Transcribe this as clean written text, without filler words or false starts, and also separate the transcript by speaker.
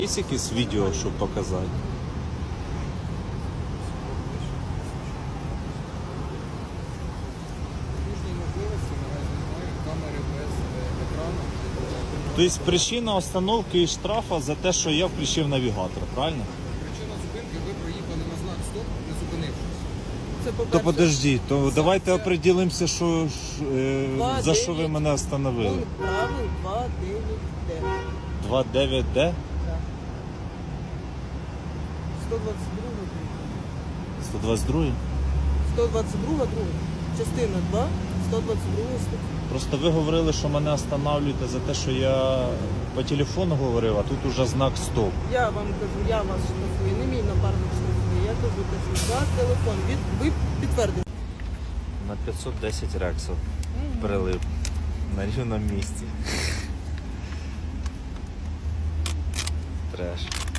Speaker 1: Є якесь відео, щоб показати?
Speaker 2: Кожній можливості наразі немає камери без екрану.
Speaker 1: Тобто причина остановки і штрафа за те, що я включив навігатор, правильно?
Speaker 2: Причина зупинки, ви проїхали на знак «Стоп», не зупинившись. Це
Speaker 1: То
Speaker 2: по-перше.
Speaker 1: подождіть, то давайте
Speaker 2: це-
Speaker 1: определимося, що, за що ви
Speaker 3: 2.9.
Speaker 1: мене остановили.
Speaker 3: Пункт правил 2.9Д.
Speaker 1: 2.9Д?
Speaker 3: 122
Speaker 1: 122?
Speaker 3: 122 друга. Частина 2, 122 стаття.
Speaker 1: Просто ви говорили, що мене останавлюєте за те, що я по телефону говорив, а тут уже знак стоп.
Speaker 3: Я вам кажу, я вас штрафую, не мій напарник штрафує. Я кажу, за телефон. Ви підтвердите.
Speaker 1: На 510 рексів прилип на рівному місці. Треш.